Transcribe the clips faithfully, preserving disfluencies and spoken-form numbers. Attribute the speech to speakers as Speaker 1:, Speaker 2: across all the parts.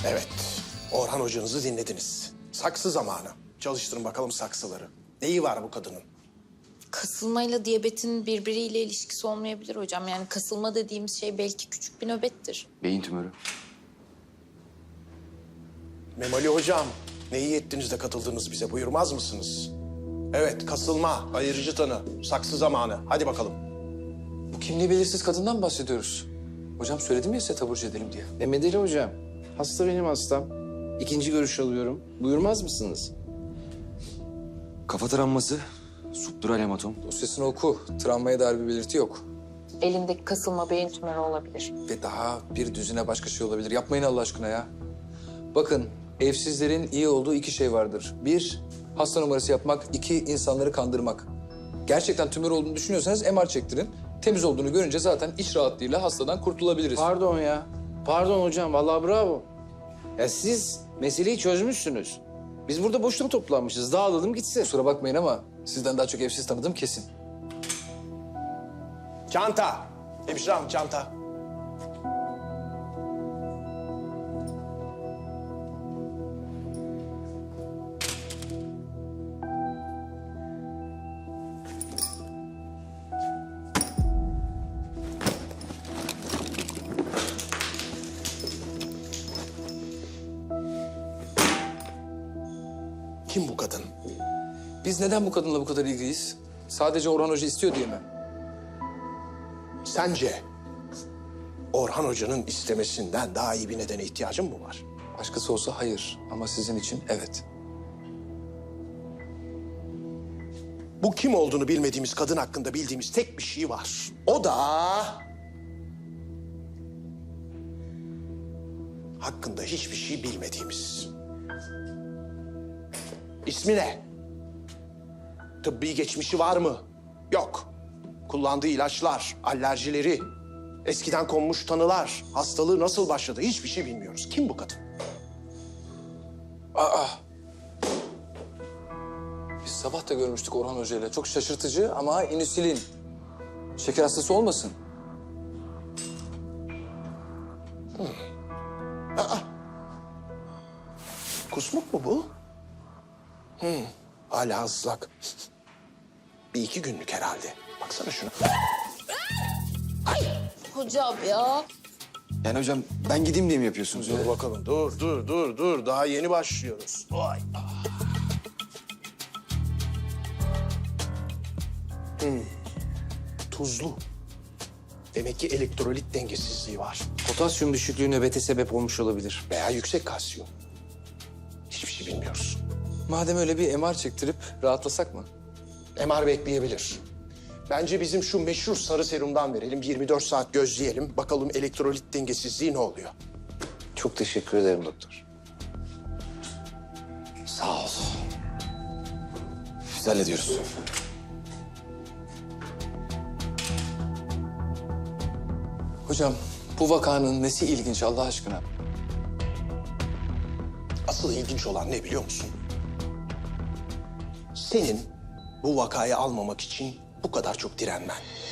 Speaker 1: Evet, Orhan hocanızı dinlediniz. Saksı zamanı. Çalıştırın bakalım saksıları. Neyi var bu kadının?
Speaker 2: Kasılmayla diyabetin birbiriyle ilişkisi olmayabilir hocam. Yani kasılma dediğimiz şey belki küçük bir nöbettir.
Speaker 3: Beyin tümörü.
Speaker 1: Memoli hocam, ne iyi ettiniz de katıldınız bize. Buyurmaz mısınız? Evet, kasılma, ayırıcı tanı, saksı zamanı. Hadi bakalım.
Speaker 4: Bu kimliği belirsiz kadından bahsediyoruz. Hocam söyledim ya size taburcu edelim diye.
Speaker 5: Mehmet Ali hocam, hasta benim hastam. İkinci görüş alıyorum. Buyurmaz mısınız?
Speaker 3: Kafa travması, subdural hematom.
Speaker 4: Dosyasını oku. Travmaya dair bir belirti yok.
Speaker 2: Elindeki kasılma beyin tümörü olabilir.
Speaker 4: Ve daha bir düzine başka şey olabilir. Yapmayın Allah aşkına ya. Bakın, evsizlerin iyi olduğu iki şey vardır. Bir, hasta numarası yapmak. İki, insanları kandırmak. Gerçekten tümör olduğunu düşünüyorsanız M R çektirin. Temiz olduğunu görünce zaten iç rahatlığıyla hastadan kurtulabiliriz.
Speaker 5: Pardon ya. Pardon hocam, vallahi bravo. Ya siz meseleyi çözmüşsünüz. Biz burada boşuna toplanmışız. Dağılalım gitsin.
Speaker 4: Kusura bakmayın ama sizden daha çok evsiz tanıdığım kesin.
Speaker 1: Çanta, hemşire hanım çanta. Kim bu kadın?
Speaker 4: Biz neden bu kadınla bu kadar ilgiliyiz? Sadece Orhan Hoca istiyor diye mi?
Speaker 1: Sence Orhan hocanın istemesinden daha iyi bir nedene ihtiyacın mı var?
Speaker 4: Başkası olsa hayır ama sizin için evet.
Speaker 1: Bu kim olduğunu bilmediğimiz kadın hakkında bildiğimiz tek bir şey var. O da... hakkında hiçbir şey bilmediğimiz. İsmi ne? Tıbbi geçmişi var mı? Yok. Kullandığı ilaçlar, alerjileri, eskiden konmuş tanılar, hastalığı nasıl başladı hiçbir şey bilmiyoruz. Kim bu kadın?
Speaker 4: Aa! Biz sabah da görmüştük Orhan Hoca ile. Çok şaşırtıcı ama insülin. Şeker hastası olmasın?
Speaker 1: Kusmuk mu bu? Hı, hala ıslak. Bir iki günlük herhalde. Baksana şuna.
Speaker 2: Hocam ya.
Speaker 3: Yani hocam ben gideyim diye mi yapıyorsunuz?
Speaker 1: Dur bakalım, dur, dur, dur, dur. Daha yeni başlıyoruz. Vay. Hmm. Tuzlu. Demek ki elektrolit dengesizliği var.
Speaker 5: Potasyum düşüklüğü nöbete sebep olmuş olabilir.
Speaker 1: Veya yüksek kalsiyum. Hiçbir şey bilmiyoruz.
Speaker 4: Madem öyle bir M R çektirip rahatlasak mı?
Speaker 1: M R bekleyebilir. Bence bizim şu meşhur sarı serumdan verelim. yirmi dört saat gözleyelim. Bakalım elektrolit dengesizliği ne oluyor?
Speaker 5: Çok teşekkür ederim doktor.
Speaker 3: Sağ ol. Biz hallediyoruz.
Speaker 4: Hocam bu vakanın nesi ilginç Allah aşkına?
Speaker 1: Asıl ilginç olan ne biliyor musun? Senin bu vakayı almamak için bu kadar çok direnmen.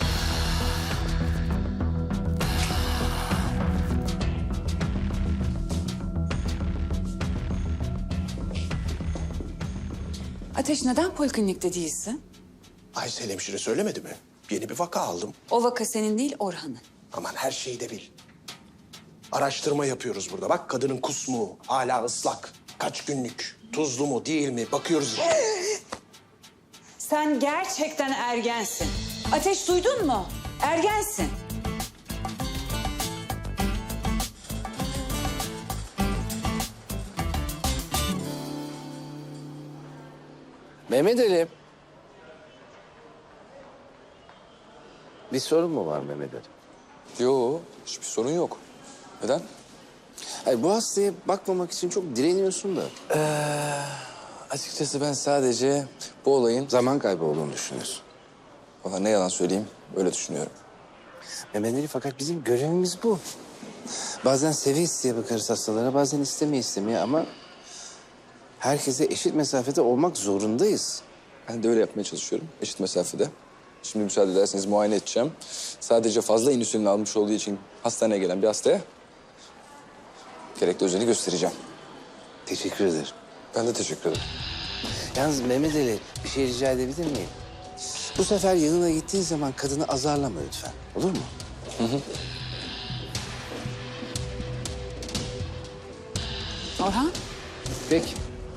Speaker 6: Ateş neden poliklinikte değilsin?
Speaker 1: Aysel hemşire söylemedi mi? Yeni bir vaka aldım.
Speaker 6: O vaka senin değil Orhan'ın.
Speaker 1: Aman her şeyi de bil. Araştırma yapıyoruz burada. Bak kadının kusmu hala ıslak. Kaç günlük? Tuzlu mu değil mi? Bakıyoruz işte.
Speaker 6: Sen gerçekten ergensin. Ateş duydun mu? Ergensin.
Speaker 5: Mehmet Ali. Bir sorun mu var Mehmet Ali?
Speaker 4: Yo, hiçbir sorun yok. Neden?
Speaker 5: Hayır, bu hastaya bakmamak için çok direniyorsun da.
Speaker 4: Açıkçası ben sadece bu olayın...
Speaker 5: Zaman kaybı olduğunu düşünüyorsun.
Speaker 4: Valla ne yalan söyleyeyim, öyle düşünüyorum.
Speaker 5: Mehmet Ali, fakat bizim görevimiz bu. Bazen seviye isteye bakarız hastalara, bazen istemeye istemeye ama... herkese eşit mesafede olmak zorundayız.
Speaker 4: Ben de öyle yapmaya çalışıyorum, eşit mesafede. Şimdi müsaade ederseniz muayene edeceğim. Sadece fazla insülin almış olduğu için hastaneye gelen bir hastaya Gerekli özeni göstereceğim.
Speaker 5: Teşekkür ederim.
Speaker 4: Ben de teşekkür ederim.
Speaker 5: Yalnız Mehmet Ali bir şey rica edebilir miyim? Bu sefer yanına gittiğin zaman kadını azarlama lütfen. Olur mu?
Speaker 6: Orhan,
Speaker 5: Peki.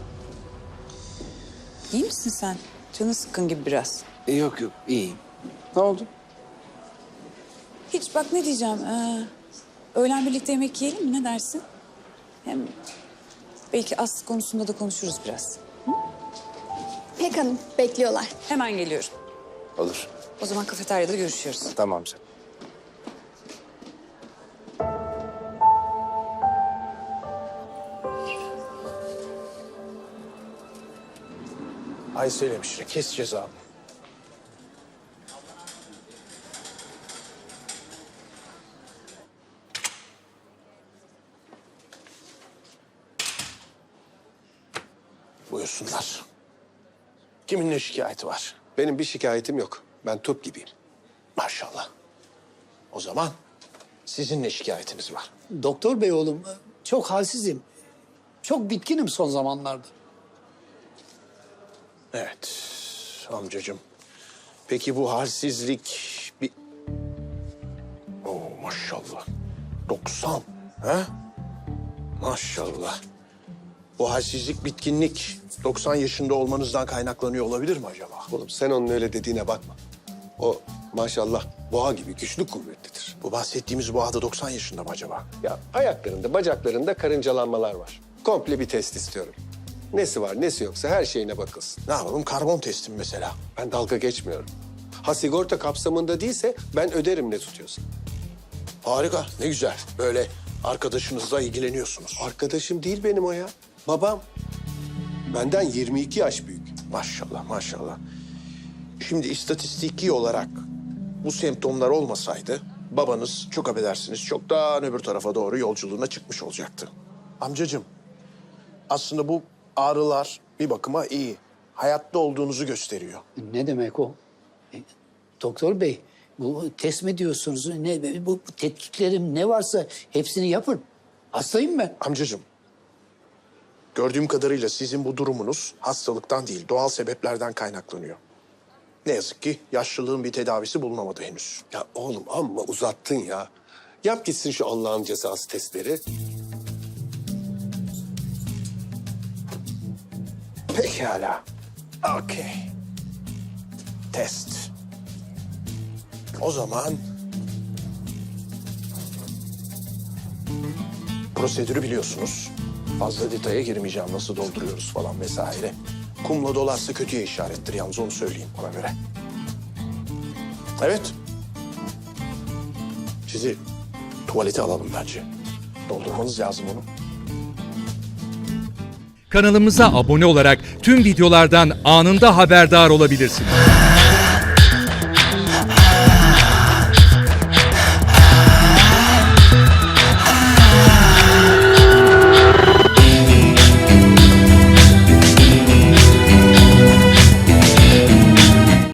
Speaker 6: iyi misin sen? Canın sıkkın gibi biraz.
Speaker 5: E, yok yok iyiyim. Ne oldu?
Speaker 6: Hiç bak ne diyeceğim. Ee, öğlen birlikte yemek yiyelim mi? Ne dersin? Hem belki Aslı konusunda da konuşuruz biraz.
Speaker 7: Pek Hanım bekliyorlar.
Speaker 6: Hemen geliyorum.
Speaker 5: Olur.
Speaker 6: O zaman kafeteryada görüşüyoruz.
Speaker 5: Tamam canım.
Speaker 1: Aysel hemşire kes cezamı. Buyursunlar. Kimin ne şikayeti var?
Speaker 8: Benim bir şikayetim yok. Ben top gibiyim.
Speaker 1: Maşallah. O zaman sizin ne şikayetiniz var?
Speaker 9: Doktor bey oğlum, çok halsizim. Çok bitkinim son zamanlarda.
Speaker 1: Evet amcacığım. Peki bu halsizlik bir... Oo maşallah. doksan. He? Maşallah. Bu halsizlik, bitkinlik doksan yaşında olmanızdan kaynaklanıyor olabilir mi acaba?
Speaker 8: Oğlum sen onun öyle dediğine bakma. O maşallah boğa gibi güçlü kuvvetlidir.
Speaker 1: Bu bahsettiğimiz bu adı doksan yaşında mı acaba?
Speaker 8: Ya ayaklarında, bacaklarında karıncalanmalar var. Komple bir test istiyorum. Nesi var, nesi yoksa her şeyine bakılsın.
Speaker 1: Ne yapalım? Karbon testim mesela.
Speaker 8: Ben dalga geçmiyorum. Ha sigorta kapsamında değilse ben öderim ne tutuyorsa.
Speaker 1: Harika, ne güzel. Böyle arkadaşınızla ilgileniyorsunuz.
Speaker 8: Arkadaşım değil benim o ya. Babam. Benden yirmi iki yaş büyük.
Speaker 1: Maşallah, maşallah. Şimdi istatistiki olarak bu semptomlar olmasaydı babanız çok affedersiniz çoktan öbür tarafa doğru yolculuğuna çıkmış olacaktı. Amcacığım, aslında bu ağrılar bir bakıma iyi. Hayatta olduğunuzu gösteriyor.
Speaker 9: Ne demek o? E, doktor bey, bu test mi diyorsunuz? Ne, bu, bu tetkiklerim ne varsa hepsini yapın. Hastayım ben.
Speaker 1: Amcacığım, gördüğüm kadarıyla sizin bu durumunuz hastalıktan değil, doğal sebeplerden kaynaklanıyor. Ne yazık ki yaşlılığın bir tedavisi bulunamadı henüz.
Speaker 8: Ya oğlum amma uzattın ya. Yap gitsin şu Allah'ın cezası testleri.
Speaker 1: Pekala. Okey. Test. O zaman... Prosedürü biliyorsunuz. Fazla detaya girmeyeceğim. Nasıl dolduruyoruz falan vesaire. Kumla dolarsa kötüye işarettir. Yalnız onu söyleyeyim ona göre. Evet. Sizi tuvalete alalım bence. Doldurmanız lazım onu.
Speaker 10: Kanalımıza abone olarak tüm videolardan anında haberdar olabilirsiniz.